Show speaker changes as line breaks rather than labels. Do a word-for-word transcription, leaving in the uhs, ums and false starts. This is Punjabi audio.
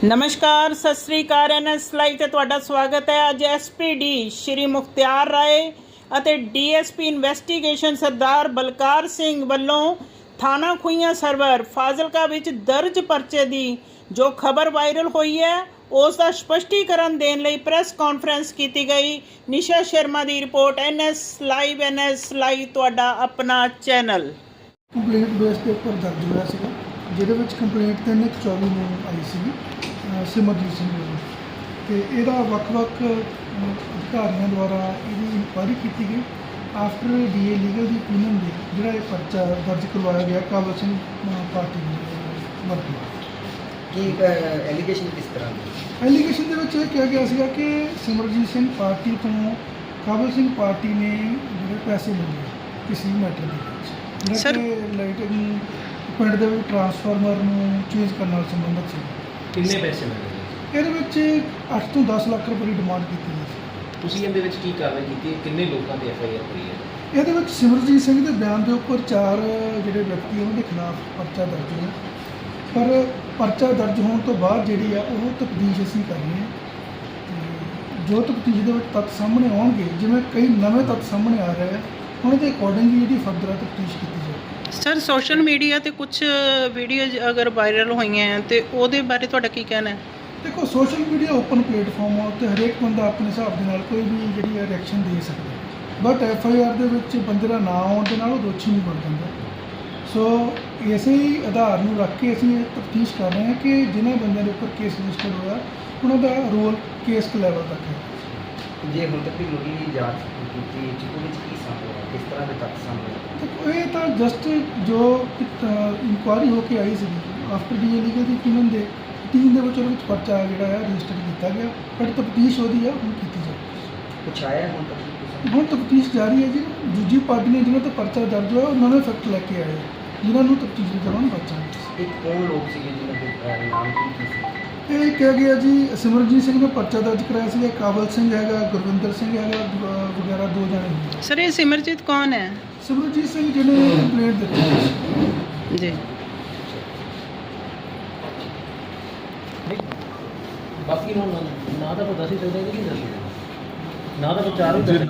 नमस्कार सत श्री अकाल एन एस लाइव ते तुहाडा स्वागत है। अज S P D Shri Mukhtiyar Rai ਅਤੇ D S P investigation Sardar Balkar Singh ਵੱਲੋਂ थाना खुइयां सरवर फाजिलका ਵਿੱਚ दर्ज परचे ਦੀ जो खबर वायरल हुई है उस ਦਾ स्पष्टीकरण देने ਲਈ ਪ੍ਰੈਸ ਕਾਨਫਰੰਸ ਕੀਤੀ ਗਈ। ਨਿਸ਼ਾ ਸ਼ਰਮਾ ਦੀ report N S live N S live ਤੁਹਾਡਾ ਆਪਣਾ ਚੈਨਲ।
ਕੰਪਲੇਂਟ ਬੇਸ ਦੇ ਉੱਪਰ ਦਰਜ ਹੋਇਆ ਸੀਗਾ, ਜਿਹਦੇ ਵਿੱਚ ਕੰਪਲੇਂਟ ਤਿੰਨ ਇੱਕ ਚੌਵੀ ਨੂੰ ਆਈ ਸੀ ਸਿਮਰਜੀਤ ਸਿੰਘ ਵੱਲੋਂ, ਅਤੇ ਇਹਦਾ ਵੱਖ-ਵੱਖ ਅਧਿਕਾਰੀਆਂ ਦੁਆਰਾ ਇਹਦੀ ਇਨਕੁਆਇਰੀ ਕੀਤੀ ਗਈ। ਆਫਟਰ ਡੀ ਏ ਲੀਗਲ ਦੀ ਓਪੀਨੀਅਨ ਦੇ ਜਿਹੜਾ ਇਹ ਪਰਚਾ ਦਰਜ ਕਰਵਾਇਆ ਗਿਆ ਕਾਬਲ ਸਿੰਘ ਪਾਰਟੀ ਵਰਤੀ।
ਕੀ ਐਲੀਗੇਸ਼ਨ ਕਿਸ ਤਰ੍ਹਾਂ ਦੀ?
ਐਲੀਗੇਸ਼ਨ ਦੇ ਵਿੱਚ ਇਹ ਕਿਹਾ ਗਿਆ ਸੀਗਾ ਕਿ ਸਿਮਰਜੀਤ ਸਿੰਘ ਪਾਰਟੀ ਤੋਂ ਕਾਬਲ ਸਿੰਘ ਪਾਰਟੀ ਨੇ ਜਿਹੜੇ ਪੈਸੇ ਮੰਗੇ ਕਿਸੇ ਮੈਟਰ ਦੇ ਵਿੱਚ, ਜਿਹੜਾ ਕਿ ਲਾਈਟਿੰਗ ਪਿੰਡ ਦੇ ਵਿੱਚ ਟਰਾਂਸਫਾਰਮਰ ਨੂੰ ਚੇਂਜ ਕਰਨ ਨਾਲ ਸੰਬੰਧਿਤ ਸੀ।
ਕਿੰਨੇ ਪੈਸੇ ਮੰਗੇ?
ਇਹਦੇ ਵਿੱਚ ਅੱਠ ਤੋਂ ਦਸ ਲੱਖ ਰੁਪਏ ਦੀ ਡਿਮਾਂਡ ਕੀਤੀ ਗਈ ਸੀ।
ਤੁਸੀਂ ਇਹਦੇ ਵਿੱਚ ਕੀ ਕਾਰਵਾਈ ਕੀਤੀ? ਕਿੰਨੇ ਲੋਕਾਂ ਤੇ ਐਫ ਆਈ ਆਰ ਹੋਈ ਹੈ?
ਇਹਦੇ ਵਿੱਚ ਸਿਮਰਜੀਤ ਸਿੰਘ ਦੇ ਬਿਆਨ ਦੇ ਉੱਪਰ ਚਾਰ ਜਿਹੜੇ ਵਿਅਕਤੀ ਉਹਨਾਂ ਦੇ ਖਿਲਾਫ ਪਰਚਾ ਦਰਜ ਹੋਇਆ, ਪਰ ਪਰਚਾ ਦਰਜ ਹੋਣ ਤੋਂ ਬਾਅਦ ਜਿਹੜੀ ਆ ਉਹ ਤਫਤੀਸ਼ ਅਸੀਂ ਕਰਨੀ ਹੈ। ਤੇ ਜੋ ਤਫਤੀਸ਼ ਦੇ ਵਿੱਚ ਤੱਥ ਸਾਹਮਣੇ ਆਉਣਗੇ, ਜਿਵੇਂ ਕਈ ਨਵੇਂ ਤੱਥ ਸਾਹਮਣੇ ਆ ਰਹੇ ਆ, ਉਹਨਾਂ ਦੇ ਅਕੋਰਡਿੰਗ ਜਿਹੜੀ ਫਰਦਰ ਤਫਤੀਸ਼ ਕੀਤੀ ਜਾਵੇ।
ਸਰ ਸੋਸ਼ਲ ਮੀਡੀਆ ਤੇ ਕੁਝ ਵੀਡੀਓਜ਼ ਅਗਰ ਵਾਇਰਲ ਹੋਈਆਂ ਹੈ ਤੇ ਉਹਦੇ ਬਾਰੇ ਤੁਹਾਡਾ ਕੀ ਕਹਿਣਾ ਹੈ?
ਦੇਖੋ, ਸੋਸ਼ਲ ਮੀਡੀਆ ਓਪਨ ਪਲੇਟਫਾਰਮ ਆ, ਉੱਤੇ ਹਰੇਕ ਬੰਦਾ ਆਪਣੇ ਹਿਸਾਬ ਦੇ ਨਾਲ ਕੋਈ ਵੀ ਜਿਹੜੀ ਹੈ ਰਿਐਕਸ਼ਨ ਦੇ ਸਕਦਾ, ਬਟ ਐਫ ਆਈ ਆਰ ਦੇ ਵਿੱਚ ਬੰਦੇ ਦਾ ਨਾਂ ਆਉਣ ਦੇ ਨਾਲ ਉਹ ਦੋਸ਼ੀ ਨਹੀਂ ਬਣ ਜਾਂਦਾ। ਸੋ ਇਸੇ ਹੀ ਆਧਾਰ ਨੂੰ ਰੱਖ ਕੇ ਅਸੀਂ ਇਹ ਤਫਤੀਸ਼ ਕਰ ਰਹੇ ਹਾਂ ਕਿ ਜਿਨ੍ਹਾਂ ਬੰਦਿਆਂ ਦੇ ਉੱਪਰ ਕੇਸ ਰਜਿਸਟਰ ਹੋਇਆ ਉਹਨਾਂ ਦਾ ਰੋਲ ਕੇਸ ਲੈਵਲ ਤੱਕ ਹੈ।
ਜੇ ਹੁਣ ਤੱਕ ਦੀ ਮੁੱਢਲੀ ਜਾਂਚ ਕੀਤੀ ਜਿਹਦੇ ਵਿੱਚ ਕੀ ਸਾਹਮਣੇ ਆਇਆ, ਕਿਸ ਤਰ੍ਹਾਂ ਦੇ ਤੱਥ ਸਾਹਮਣੇ ਆਏ?
ਦੇਖੋ, ਇਹ ਤਾਂ ਜਸਟ ਜੋ ਇਨਕੁਆਇਰੀ ਹੋ ਕੇ ਆਈ ਸੀ ਆਫਟਰ ਡੀ ਏ ਲੀਗਲ ਦੀ ਓਪੀਨੀਅਨ ਦੇ ਟੀਮ ਦੇ ਵਿੱਚ ਉਹਦੇ ਵਿੱਚ ਪਰਚਾ ਜਿਹੜਾ ਹੈ ਰਜਿਸਟਰ ਕੀਤਾ ਗਿਆ, ਬਟ ਤਫਤੀਸ਼ ਉਹਦੀ ਆ ਹੁਣ ਕੀਤੀ ਜਾਵੇ।
ਕੁਛ ਆਇਆ ਹੁਣ ਤੱਕ?
ਹੁਣ ਤਫਤੀਸ਼ ਜਾਰੀ ਹੈ ਜੀ। ਦੂਜੀ ਪਾਰਟੀ ਨੇ ਜਿਹਨਾਂ 'ਤੇ ਪਰਚਾ ਦਰਜ ਹੋਇਆ ਉਹ ਨਵੇਂ ਫੈਕਟ ਲੈ ਕੇ ਆਏ, ਜਿਨ੍ਹਾਂ ਨੂੰ ਤਫਤੀਸ਼ ਦੇ ਦੌਰਾਨ ਪਰਚਾ ਮਿਲਿਆ।
ਇੱਕ ਕੌਣ ਲੋਕ ਸੀਗੇ ਜਿਹਨਾਂ ਦੇ ਨਾਮ ਕੀ ਕੀ ਸੀ?
ਇਹ ਕਿਹਾ ਗਿਆ ਜੀ ਸਿਮਰਜੀਤ ਸਿੰਘ ਨੇ ਪਰਚਾ ਦਰਜ ਕਰਾਇਆ ਸੀਗਾ, ਕਾਬਲ ਸਿੰਘ ਹੈਗਾ, ਗੁਰਵਿੰਦਰ ਸਿੰਘ ਹੈਗਾ ਵਗੈਰਾ ਦੋ ਜਣੇ ਹੁੰਦੇ।
ਸਰ ਇਹ ਸਿਮਰਜੀਤ ਕੌਣ ਹੈ?
ਸਿਮਰਜੀਤ ਸਿੰਘ ਜਿਹਨੇ ਕੰਪਲੇਂਟ ਦਿੱਤੀ ਸੀ
ਜੀ।
ਬਾਕੀ ਨੂੰ ਨਾ ਤਾਂ ਪਤਾ ਸੀ ਚੱਲਦਾ ਕਿ ਨਹੀਂ ਦੱਸਦਾ, ਨਾ ਤਾਂ ਵਿਚਾਰ ਹੀ